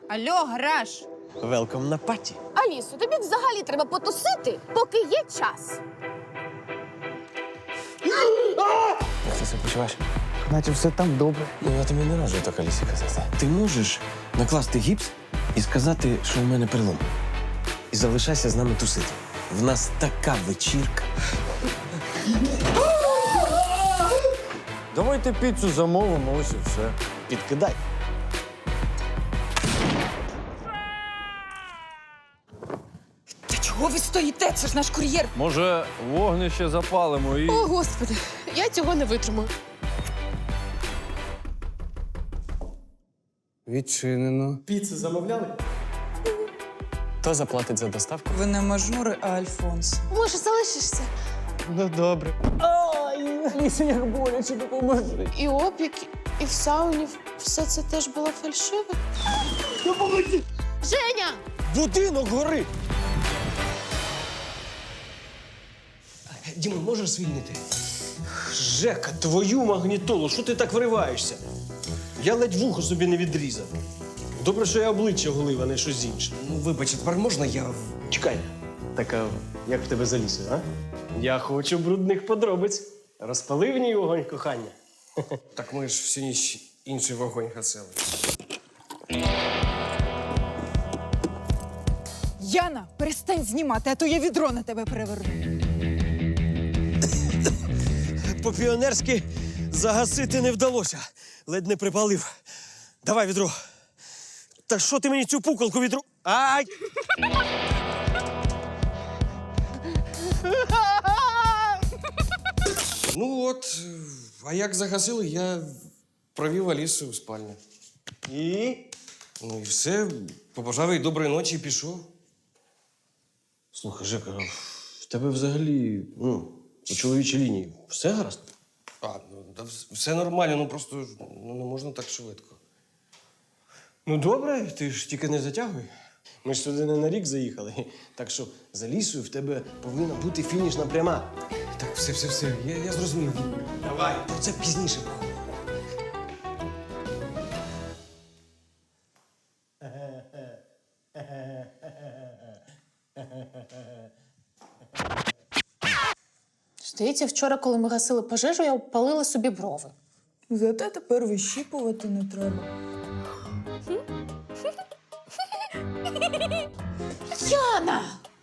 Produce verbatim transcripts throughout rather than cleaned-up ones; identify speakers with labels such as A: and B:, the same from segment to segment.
A: Алло, гараж!
B: Велком на паті.
C: Алісо, тобі взагалі треба потусити, поки є час.
B: Як ти себе почуваєш?
D: Наче все там добре.
B: Ну, я тобі не раджу так Алісі казати. Ти можеш накласти гіпс і сказати, що у мене перелом. І залишайся з нами тусити. В нас така вечірка.
D: Давайте піцу замовимо, ось і все.
B: Підкидай.
A: Та чого ви стоїте? Це ж наш кур'єр.
D: Може, вогнище запалимо і.
C: О, Господи, я цього не витримаю.
D: Відчинено.
E: Піцу замовляли?
B: Хто заплатить за доставку?
A: Ви не мажори, а Альфонс.
C: Може, залишишся?
B: Ну, добре.
C: І опік, і в сауні все це теж було фальшиве. Женя!
B: Будинок горить!
E: Діма, можеш звільнити? Жека, твою магнітолу, що ти так вриваєшся? Я ледь вухо собі не відрізав. Добре, що я обличчя голив, а не щось інше.
F: Ну, вибач, а тепер можна я.
E: Чекай. Так, а як в тебе залізо, а? Я хочу брудних подробиць. Розпали в ній вогонь кохання.
F: Так ми ж всю ніч інший вогонь гасили.
A: Яна, перестань знімати, а то я відро на тебе переверну.
E: По-піонерськи загасити не вдалося. Ледь не припалив. Давай відро. Та що ти мені цю пукалку відро? Ай!
F: Ну от, а як загасили, я провів Алісу в спальню.
E: І?
F: Ну і все, побажав їй доброї ночі і пішов.
E: Слухай, Жека, в тебе взагалі, ну, по чоловічій лінії все гаразд?
F: А, ну, та вс- все нормально, ну просто ну, не можна так швидко.
E: Ну, добре, ти ж тільки не затягуй. Ми ж сюди не на рік заїхали. Так що за лісою в тебе повинна бути фінішна пряма.
F: Так, все, все, все, я, я зрозумів.
E: Давай.
F: Про це пізніше.
C: Здається, вчора, коли ми гасили пожежу, я обпалила собі брови.
A: Зате тепер вищіпувати не треба.
C: Яна!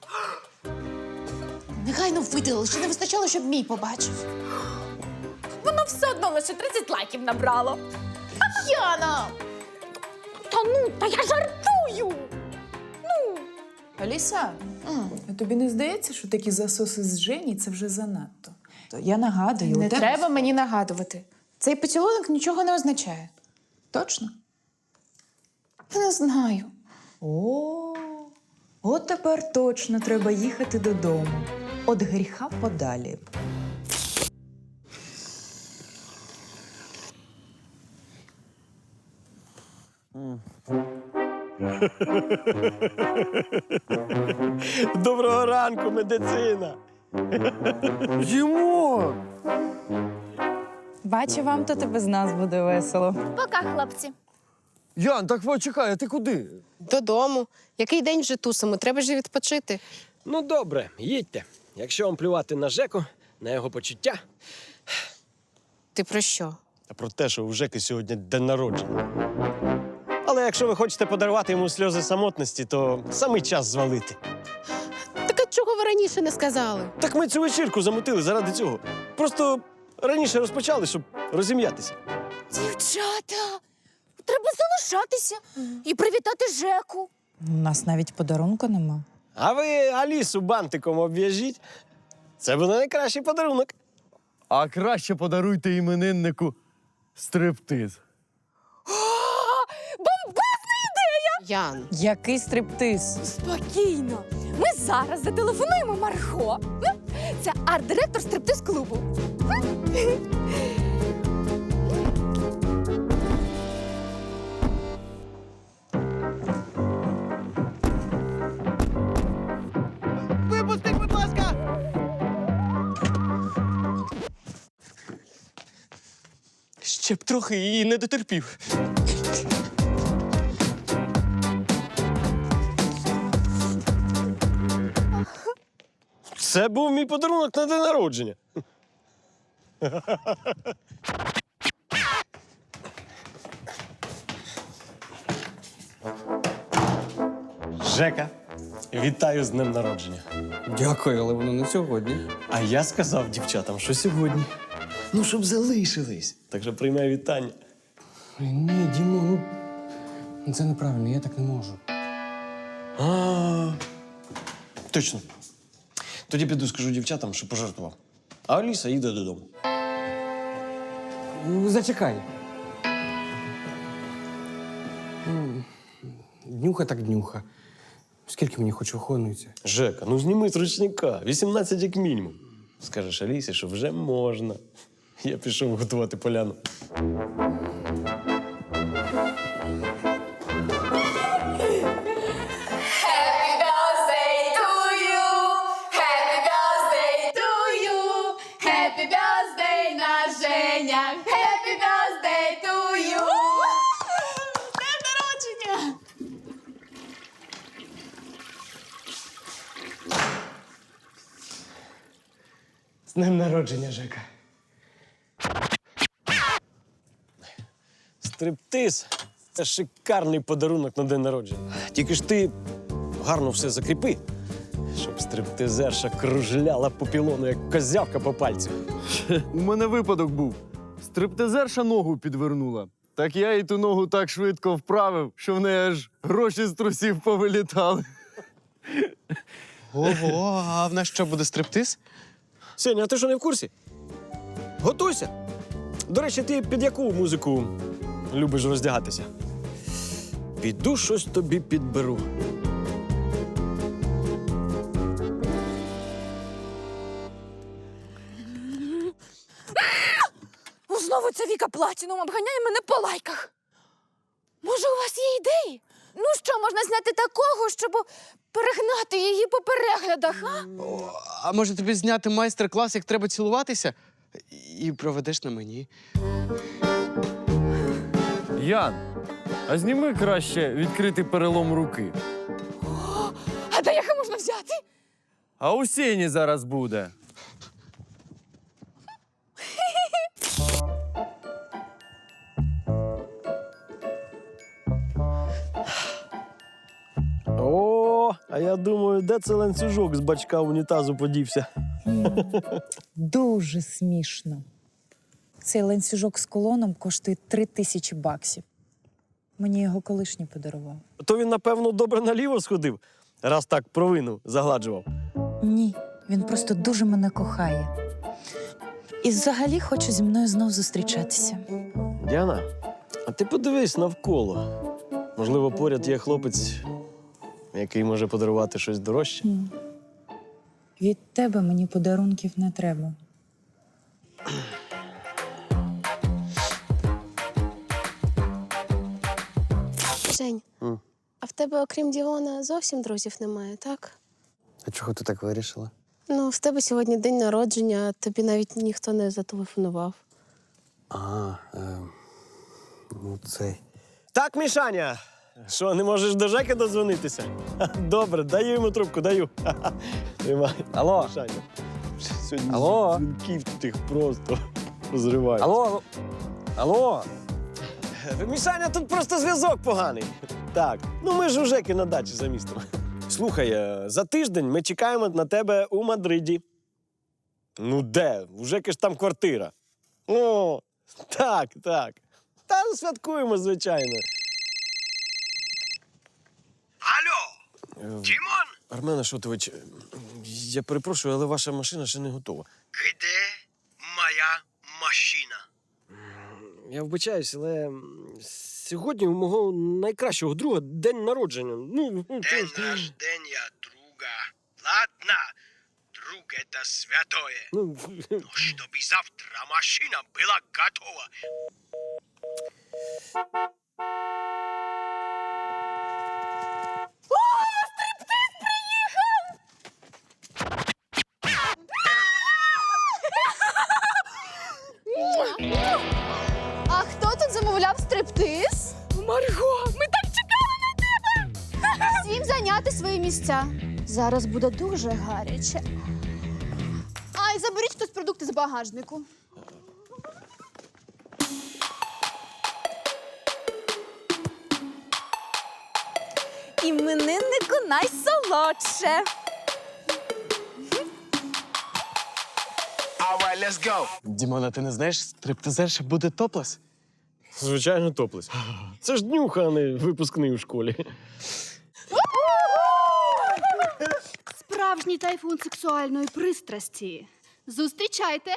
C: Негайно видали, ще не вистачало, щоб мій побачив. Воно все одно лише тридцять лайків набрало. Яна! Та ну, та я жартую!
A: Аліса, а тобі не здається, що такі засоси з Жені – це вже занадто? То я нагадую.
C: Не
A: у тебе-
C: треба мені нагадувати. Цей поцілунок нічого не означає.
A: Точно?
C: Не знаю.
A: О, от тепер точно треба їхати додому. От гріха подалі.
E: Доброго ранку, медицина!
D: Їмо!
A: Бачу, вам тут і без нас буде весело.
C: Пока, хлопці.
D: Ян, так почекай, а ти куди?
G: Додому. Який день вже тусимо? Треба ж відпочити.
E: Ну, добре, їдьте. Якщо вам плювати на Жеку, на його почуття,
G: Ти про що?
E: а про те, що у Жеки сьогодні день народження. Але якщо ви хочете подарувати йому сльози самотності, то саме час звалити.
G: Так а чого ви раніше не сказали?
E: Так ми цю вечірку замутили заради цього. Просто раніше розпочали, щоб розім'ятися.
C: Дівчата, треба залишатися і привітати Жеку.
A: У нас навіть подарунку нема.
E: А ви Алісу бантиком обв'яжіть. Це буде найкращий подарунок.
D: А краще подаруйте імениннику стриптиз.
G: Ян.
A: Який стриптиз?
C: Спокійно. Ми зараз зателефонуємо Марго. Це арт-директор стриптиз-клубу.
E: Випустіть, будь ласка! Ще б трохи і не дотерпів. Це був мій подарунок на день народження. Жека, вітаю з днем народження.
F: Дякую, але воно не сьогодні.
E: А я сказав дівчатам, що сьогодні. Ну, щоб залишились. Так що приймай вітання.
F: Ой, ні, Дімо, ну це неправильно, я так не можу.
E: А, точно. Тоді піду скажу дівчатам, що пожартував. А Аліса їде додому.
F: Ну, зачекай. Ну, Днюха так днюха. Скільки мені хоч виконується?
E: Жека, ну зніми з ручника. вісімнадцять як мінімум. Скажеш Алісі, що вже можна. Я пішов готувати поляну.
C: Happy birthday to you! Happy birthday to you! Happy birthday, наш Женя! Happy birthday to you! З днем народження!
F: З днем народження, Жека.
E: Стриптиз – це шикарний подарунок на день народження. Тільки ж ти гарно все закріпи, щоб стриптизерша кружляла по пілону, як козявка по пальцю.
D: У мене випадок був. Стриптизерша ногу підвернула. Так я їй ту ногу так швидко вправив, що в неї аж гроші з трусів повилітали.
H: Ого, а в нас що, буде стриптиз?
E: Сеня, а ти що, не в курсі? Готуйся. До речі, ти під яку музику любиш роздягатися? Піду щось тобі підберу.
C: Ну, знову ця Віка Платінум обганяє мене по лайках. Може, у вас є ідеї? Ну що, можна зняти такого, щоб перегнати її по переглядах, а?
H: А може тобі зняти майстер-клас, як треба цілуватися? І проведеш на мені.
D: Ян, а зніми краще відкритий перелом руки.
C: А де їх можна взяти?
D: А у Сені зараз буде.
E: О, а я думаю, де це ланцюжок з бачка унітазу подівся?
A: Дуже смішно. Цей ланцюжок з колоном коштує три тисячі баксів. Мені його колишній подарував.
E: То він, напевно, добре наліво сходив, раз так провину загладжував.
A: Ні, він просто дуже мене кохає. І взагалі хоче зі мною знов зустрічатися.
E: Діана, а ти подивись навколо. Можливо, поряд є хлопець, який може подарувати щось дорожче.
A: Від тебе мені подарунків не треба.
G: Жень,
E: М.
G: а в тебе, окрім Діона, зовсім друзів немає, так?
H: А чого ти так вирішила?
G: Ну, в тебе сьогодні день народження, а тобі навіть ніхто не зателефонував.
H: А, е, ну цей.
E: Так, Мішаня, що, не можеш до Жеки дозвонитися? Ха, добре, даю йому трубку, даю. Ха-ха. Тримай.
D: Алло.
E: Мішаня. Сьогодні
D: Алло.
E: дзвінків тих просто розривають.
D: Алло. Алло.
E: Мішаня, тут просто зв'язок поганий. Так, ну ми ж у Жеки на дачі за містом. Слухай, е, за тиждень ми чекаємо на тебе у Мадриді. Ну де? У Жеки ж там квартира. О, так, так. Та ну, святкуємо, звичайно.
I: Алло, Дімон?
E: Армен Ашотович, я перепрошую, але ваша машина ще не готова.
I: Де моя машина?
E: Я вибачаюсь, але м, сьогодні у мого найкращого друга день народження. Ну, ну,
I: День рождения друга. Ладно, друг это святое.
E: ну,
I: Но чтобы завтра машина была готова.
C: А хто тут замовляв стриптиз? Марго, ми так чекали на тебе! Всім зайняти свої місця. Зараз буде дуже гаряче. в багажнику.
A: Імениннику найсолодше.
H: Дімона, ти не знаєш, стриптизерша буде топлес?
E: Звичайно, топлес. Це ж днюха, а не випускний у школі.
C: Справжній тайфун сексуальної пристрасті. Зустрічайте.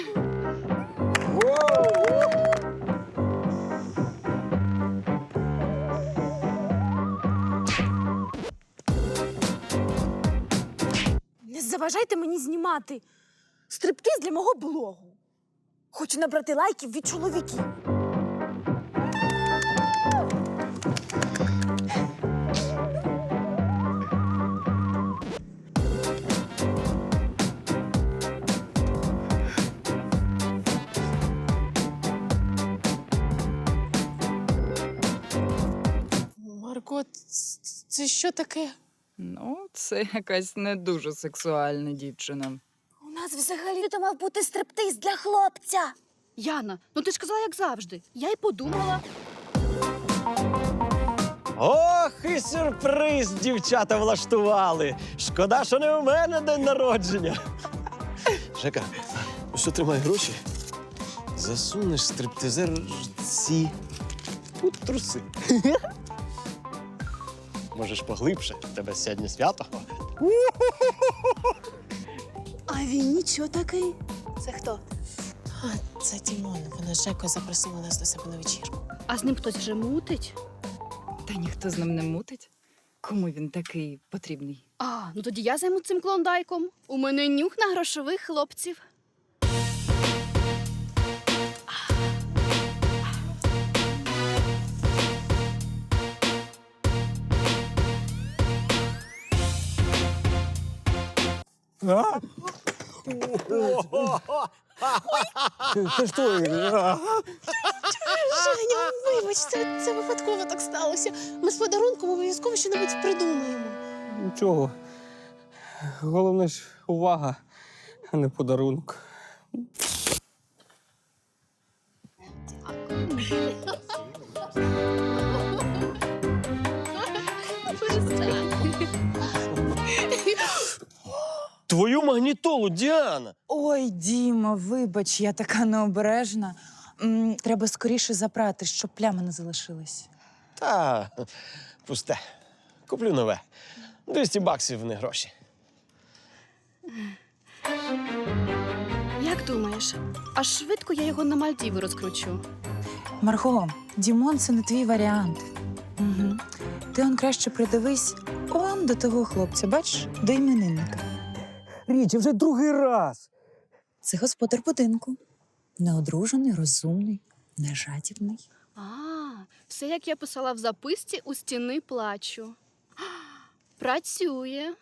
J: Не заважайте мені знімати стриптиз для мого блогу. Хочу набрати лайків від чоловіків.
G: Марко, це що таке?
A: Ну, це якась не дуже сексуальна дівчина.
J: У нас взагалі-то мав бути стриптиз для хлопця.
C: Яна, ну ти ж казала, як завжди. Я й подумала.
E: Ох, і сюрприз дівчата влаштували. Шкода, що не у мене день народження.
B: Жека, що тримай гроші? Засунеш стриптизерці
E: у труси. Можеш поглибше, в тебе сьогодні свято.
J: А він нічого такий.
G: Це хто? А, це Дімон. Вона з Жекою запросила нас до себе на вечірку.
C: А з ним хтось вже мутить?
A: Та ніхто з ним не мутить. Кому він такий потрібний?
C: А, ну тоді я займу цим клондайком. У мене нюх на грошових хлопців.
G: Женя, вибач, це, це випадково так сталося. Ми з подарунком обов'язково щось придумаємо.
F: Нічого. Головне ж увага, а не подарунок.
E: Твою магнітолу, Діана!
A: Ой, Діма, вибач, я така необережна. М, Треба скоріше запрати, щоб плями не залишились.
E: Та, пусте. Куплю нове. двісті баксів не гроші.
C: Як думаєш, аж швидко я його на Мальдіви розкручу?
A: Марго, Дімон – це не твій варіант. Угу. Ти он краще придивись он до того хлопця, бачиш, до іменинника.
F: Річ, вже другий раз.
A: Це господар будинку. Неодружений, розумний, нежадібний.
C: А, все, як я писала в записці, у стіни плачу. Працює.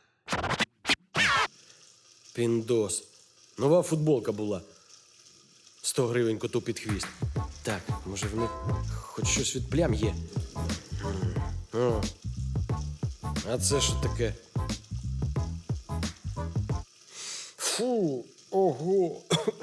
E: Піндос. Нова футболка була. сто гривень коту під хвіст. Так, може в них хоч щось від плям є. О. А це що таке? Фу, ого.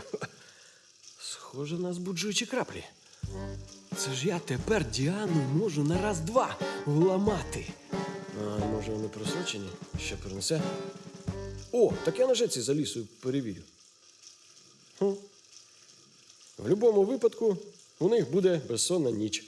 E: Схоже на збуджуючі краплі. Це ж я тепер Діану можу на раз-два вламати. А може вони просрочені? Ще принесе? О, так я на жеці за лісою перевірю. Хм. В будь-якому випадку у них буде безсонна ніч.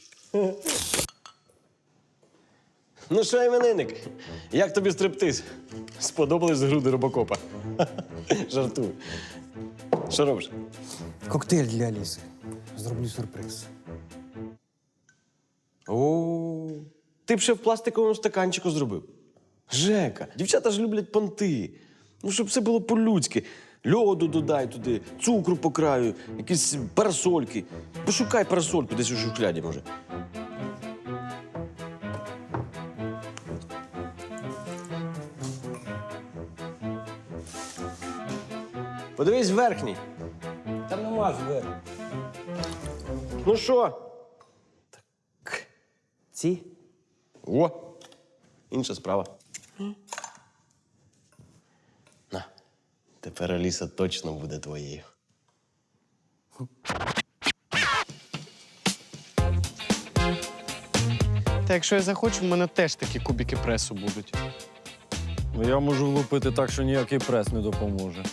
E: Ну що, іменинник, як тобі стриптиз? Сподобались груди робокопа? Жартую. Що робиш?
F: Коктейль для Аліси. Зроблю сюрприз.
E: О, ти б ще в пластиковому стаканчику зробив. Жека, дівчата ж люблять понти. Ну, щоб все було по-людськи. Льоду додай туди, цукру по краю, якісь парасольки. Пошукай парасольку десь у шухляді, може. Подивись верхній.
F: Там нема зверху.
E: Ну що?
F: Ці?
E: О, інша справа. На, тепер Аліса точно буде твоєю.
H: Та якщо я захочу, в мене теж такі кубики пресу будуть.
D: Ну, я можу влупити так, що ніякий прес не допоможе.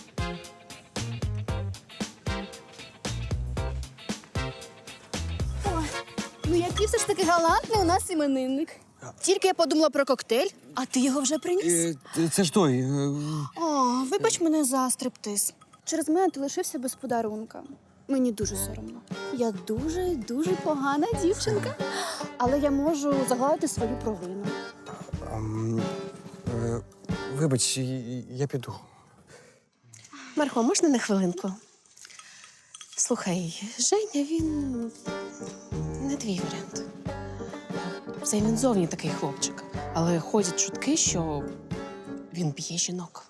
J: Ну який все ж таки галантний у нас іменинник. Тільки я подумала про коктейль, а ти його вже приніс.
F: Це ж той. е,
J: О, вибач мене за стриптиз. Через мене ти лишився без подарунка. Мені дуже соромно. Я дуже, дуже погана дівчинка. Але я можу загладити свою провину.
F: ам, е, Вибач, і- я піду.
G: Марго, можна на хвилинку? Слухай, Женя, він не твій варіант. Це він зовні такий хлопчик. Але ходять чутки, що він б'є жінок.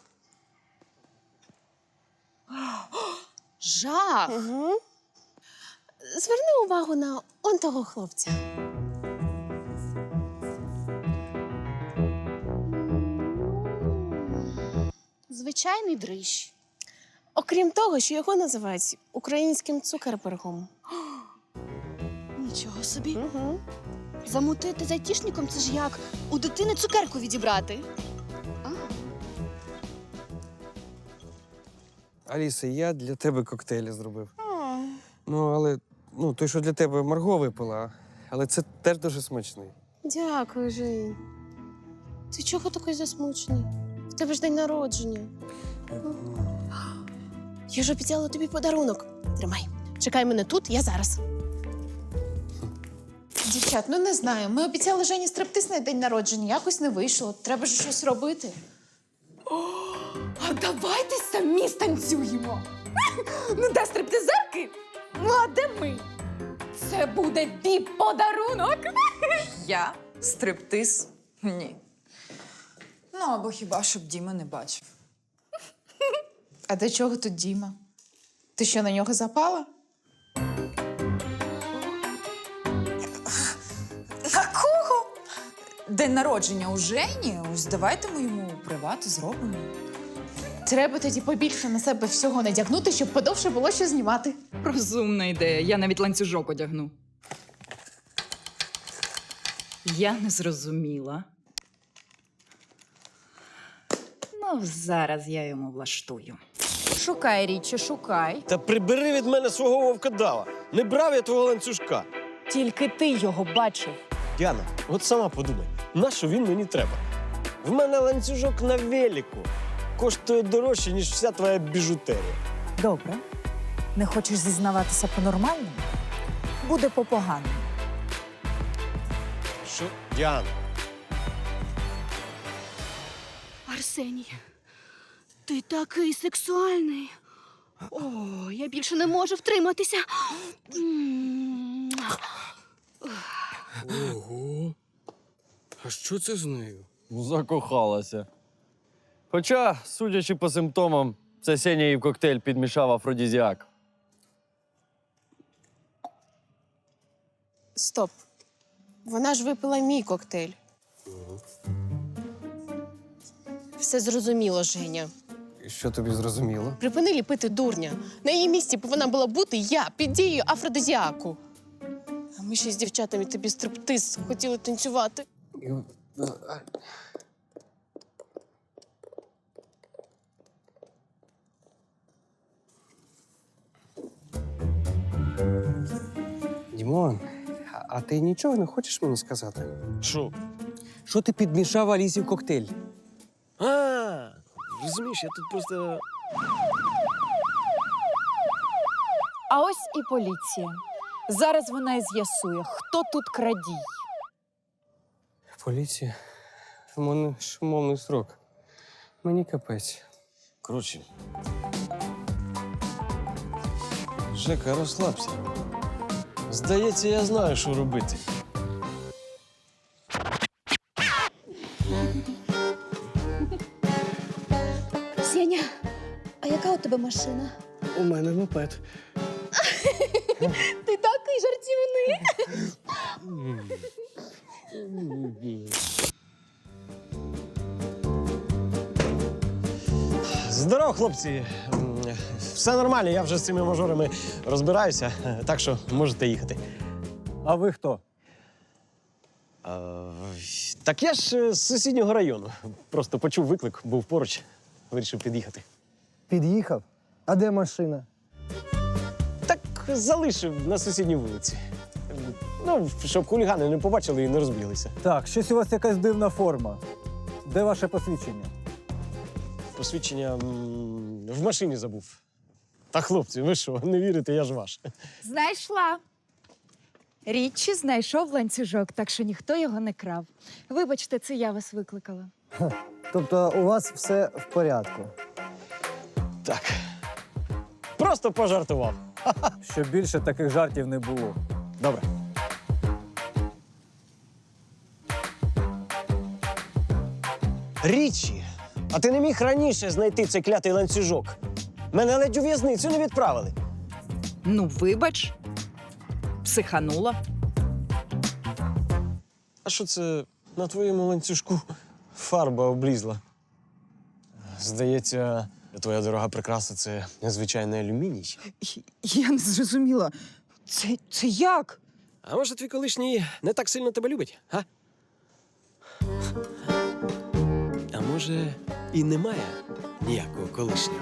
J: Жах!
G: Угу. Зверни увагу на он того хлопця.
J: Звичайний дрищ.
G: Окрім того, що його називають українським цукербергом.
J: Нічого собі.
G: Угу.
J: Замутити з айтішником – це ж як у дитини цукерку відібрати.
F: Аліса, я для тебе коктейлі зробив. Ну, але ну, той, що для тебе Марго випила, але це теж дуже смачний.
G: Дякую, Жень. Ти чого такий засмучений? В тебе ж день народження. Я ж обіцяла тобі подарунок. Тримай. Чекай мене тут, я зараз.
A: Дівчат, ну не знаю. Ми обіцяли Жені стриптиз на день народження, якось не вийшло. Треба ж щось робити.
C: А давайте самі станцюємо. Ну, де стриптизерки? Ну, а де ми? Це буде віп-подарунок.
A: Я? Стриптиз? Ні. Ну, або хіба щоб Діма не бачив. А до чого тут Діма? Ти що, на нього запала? Какого? День народження у Жені? Ось давайте ми йому приват зробимо.
C: Треба тоді побільше на себе всього надягнути, щоб подовше було що знімати.
K: Розумна ідея. Я навіть ланцюжок одягну. Я не зрозуміла. Ну, зараз я йому влаштую.
A: Шукай, Річі, шукай.
E: Та прибери від мене свого вовкодава. Не брав я твого ланцюжка.
C: Тільки ти його бачив.
E: Діана, от сама подумай, нащо він мені треба? В мене ланцюжок на велику. Коштує дорожче, ніж вся твоя біжутерія.
A: Добре. Не хочеш зізнаватися по-нормальному? Буде по-поганому.
E: Що? Діана.
J: Арсеній, ти такий сексуальний. О, я більше не можу втриматися. М.
F: Ого. А що це з нею?
D: Закохалася. Хоча, судячи по симптомам, це Сеня їй в коктейль підмішав афродізіак.
G: Стоп. Вона ж випила мій коктейль. Все зрозуміло, Женя.
F: І що тобі зрозуміло?
G: Припини ліпити дурня. На її місці повинна була бути я під дією афродизіаку. А ми ще з дівчатами тобі стриптиз хотіли танцювати.
F: І- а- Дімон, а- а ти нічого не хочеш мені сказати?
E: Що?
F: Що ти підмішав Алісі в коктейль?
E: А, розумієш, я тут просто.
C: А ось і поліція. Зараз вона і з'ясує, хто тут крадій.
F: Поліція. У мене ж умовний срок. Мені капець.
B: Коротше. Жека, розслабся. Здається, я знаю, що робити.
J: Сеня, а яка у тебе машина?
H: У мене мопед.
J: Ти такий жартівний.
E: Здорово, хлопці. М, Все нормально, я вже з цими мажорами розбираюся, так що можете їхати.
D: А ви хто?
E: Е, так я ж е, з сусіднього району. Просто почув виклик, був поруч, вирішив під'їхати.
L: Під'їхав? А де машина?
E: Так залишив на сусідній вулиці. Ну, щоб хулігани не побачили і не розбіглися.
L: Так, щось у вас якась дивна форма. Де ваше посвідчення?
E: Посвідчення м, в машині забув. Та хлопці, ви що, не вірите, я ж ваш.
K: Знайшла. Річі знайшов ланцюжок, так що ніхто його не крав. Вибачте, це я вас викликала.
L: Тобто у вас все в порядку.
E: Так. Просто пожартував.
L: Щоб більше таких жартів не було.
E: Добре. Річі, а ти не міг раніше знайти цей клятий ланцюжок? Мене ледь у в'язницю не відправили.
K: Ну, вибач, психанула.
E: А що це на твоєму ланцюжку фарба облізла? Здається, твоя дорога прикраса — це незвичайний алюміній.
K: Я не зрозуміла. Це, це як?
E: А може, твій колишній не так сильно тебе любить, а? А може, і немає ніякого колишнього?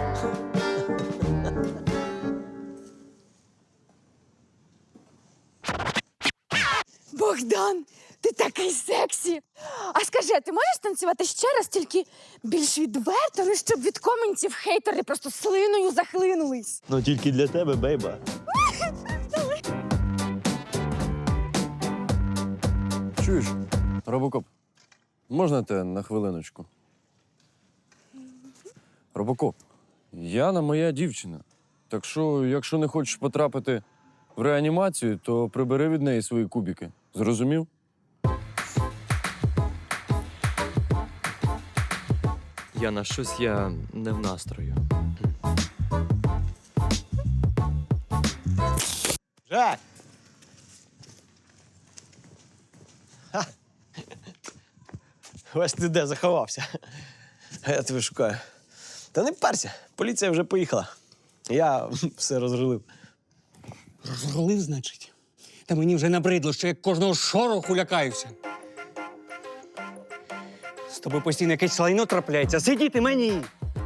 C: Богдан, ти такий сексі. А скажи, а ти можеш танцювати ще раз, тільки більш відверто, ну, щоб від коментів хейтери просто слиною захлинулись?
D: Ну тільки для тебе, бейба.
M: Чуєш, Робокоп, можна те на хвилиночку? Робокоп, Яна моя дівчина. Так що, якщо не хочеш потрапити в реанімацію, то прибери від неї свої кубики. Зрозумів?
N: Яна, щось я не в настрою.
E: Жаль. Ха. Ось ти де заховався. А я тебе шукаю. Та не парся, поліція вже поїхала. Я все розрулив.
F: Розголив, значить? Та мені вже набридло, що я кожного шороху лякаюся. З тобою постійно якесь лайно трапляється. Сидіти мені!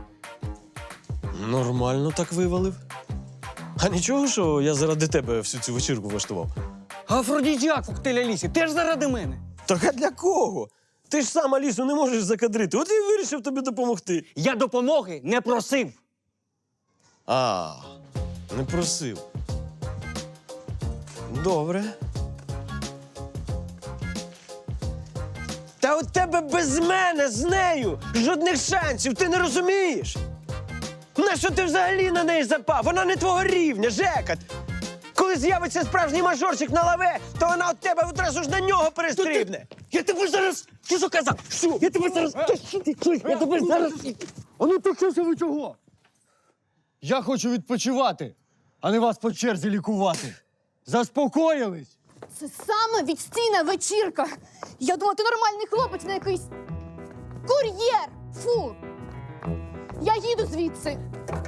E: Нормально так вивалив. А нічого, що я заради тебе всю цю вечірку влаштував?
F: Афродізіак коктейль Алісі, теж заради мене.
E: Так а для кого? Ти ж сам Алісу не можеш закадрити. От і вирішив тобі допомогти.
F: Я допомоги не просив.
E: А, не просив. Добре. Та у тебе без мене з нею жодних шансів, ти не розумієш? Нащо ти взагалі на неї запав? Вона не твого рівня, Жека. Коли з'явиться справжній мажорчик на лаве, то вона від тебе одразу ж на нього перестрибне.
F: Я тебе зараз... Ти що казав? Що? Я тебе зараз... Я тебе зараз...
D: А ну то що ви чого? Я хочу відпочивати, а не вас по черзі лікувати. Заспокоїлись?
J: Це саме відстійна вечірка. Я думала, ти нормальний хлопець на якийсь кур'єр. Фу. Я їду звідси.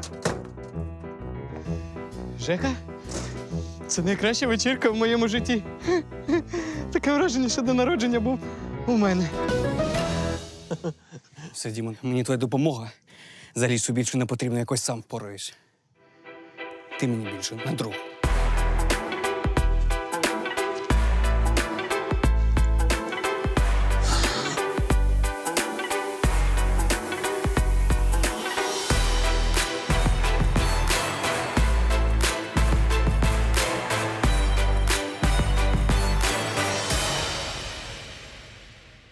H: Жека, це найкраща вечірка в моєму житті. Таке враження, що до народження був у мене.
F: Все, Дімон, мені твоя допомога. За лісу більше не потрібно, якось сам впораюсь. Ти мені більше на друг.